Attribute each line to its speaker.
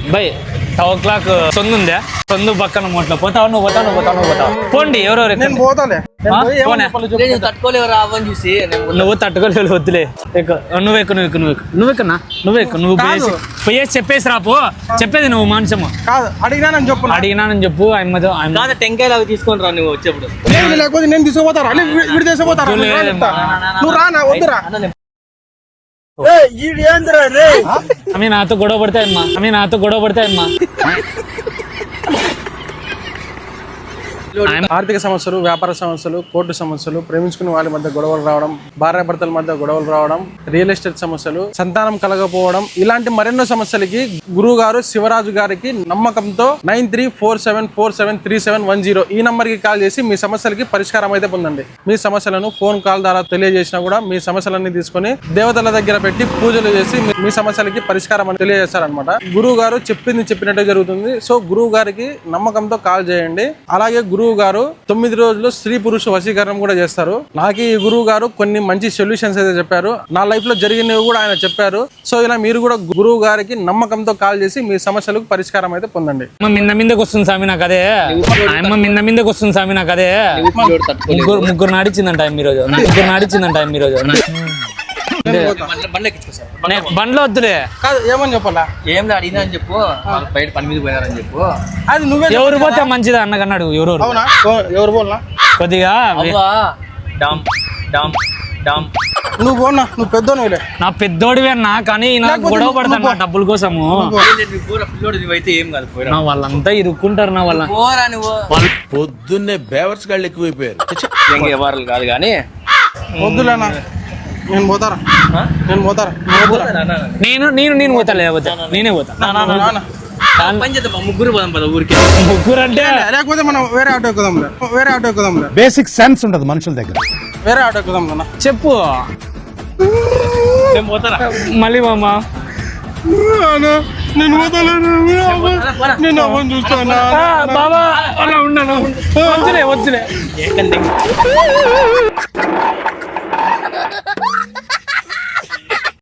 Speaker 1: By 12 o'clock సొందు ఉందా? సొందు పక్కన మొట్ల పోతావు పోతావు పోండి ఎవరెవరు నువ్వు తట్టుకోలేవు వద్దులే నువ్వు పోయేసి చెప్పేసి రాపో చెప్పేది నువ్వు మాంసము అడిగినానని చెప్పు
Speaker 2: టెంకాయలు అవి తీసుకొని రా నువ్వు వచ్చేప్పుడు
Speaker 3: లేకపోతే నేను తీసుకుపోతారా నువ్వు రానా వద్దురా
Speaker 1: నాతో గొడవ పడతాయమ్మా
Speaker 3: ఆర్థిక సమస్యలు, వ్యాపార సమస్యలు, కోర్టు సమస్యలు, ప్రేమించుకునే వాళ్ళ మధ్య గొడవలు రావడం, భార్యాభర్తల మధ్య గొడవలు రావడం, రియల్ ఎస్టేట్ సమస్యలు, సంతానం కలగకపోవడం, ఇలాంటి మరెన్నో సమస్యలకి గురువు గారు శివరాజు గారికి నమ్మకంతో 9347473710 ఈ నంబర్ కి కాల్ చేసి మీ సమస్యలకి పరిష్కారం అయితే పొందండి. మీ సమస్యలను ఫోన్ కాల్ ద్వారా తెలియజేసినా కూడా మీ సమస్యలన్నీ తీసుకొని దేవతల దగ్గర పెట్టి పూజలు చేసి మీ సమస్యలకి పరిష్కారం అని తెలియజేస్తారనమాట. గురువు గారు చెప్పినట్టే జరుగుతుంది. సో గురువు గారికి నమ్మకంతో కాల్ చేయండి. అలాగే గురువు గారు 9 రోజులు స్త్రీ పురుష వశీకరణం కూడా చేస్తారు. నాకు ఈ గురువు గారు కొన్ని మంచి సొల్యూషన్స్ అయితే చెప్పారు. నా లైఫ్ లో జరిగినవి కూడా ఆయన చెప్పారు. సో ఇలా మీరు కూడా గురువు గారికి నమ్మకంతో కాల్ చేసి మీ సమస్యలకు పరిష్కారం అయితే పొందండి.
Speaker 1: మీదకి వస్తుంది స్వామి నాకు అదే ముగ్గురు నాడిచ్చిందంట ఈ రోజు బండ్లో వద్దులే
Speaker 3: కాదు ఏమని చెప్పాలా
Speaker 2: ఏం అడిగినా అని చెప్పు బయట పని మీద పోయినారని చెప్పు.
Speaker 3: అది నువ్వే
Speaker 1: ఎవరు పోతే మంచిదా అన్నకన్నాడు.
Speaker 3: ఎవరు పోలా
Speaker 1: కొద్దిగా
Speaker 3: నువ్వు పోనా నువ్వు పెద్దోనులే
Speaker 1: నా పెద్దోడివి అన్నా కానీ నాకు గొడవ పడతాను డబ్బుల కోసము.
Speaker 2: అయితే ఏం కాదు
Speaker 1: నా వాళ్ళంతా ఇరుక్కుంటారు. నా వాళ్ళ
Speaker 4: పొద్దున్నే బేవర్స్ గాళ్ళు ఎక్కువైపోయారు.
Speaker 2: వ్యవహారాలు కాదు కానీ
Speaker 3: వద్దులేనా నేను పోతారా
Speaker 1: నేను పోతా లేకపోతే నేనే పోతా.
Speaker 2: ముగ్గురు పోదాం పద ఊరికి.
Speaker 1: ముగ్గురు అంటే
Speaker 3: లేకపోతే మనం వేరే ఆటో ఎక్కుదాం.
Speaker 4: బేసిక్ సెన్స్ ఉండదు మనుషుల దగ్గర.
Speaker 3: వేరే ఆటో ఎక్కుదాం కదా
Speaker 1: చెప్పు మళ్ళీ మామ
Speaker 3: నేను చూస్తాను
Speaker 1: బాబా అలా ఉన్నాను వద్దులే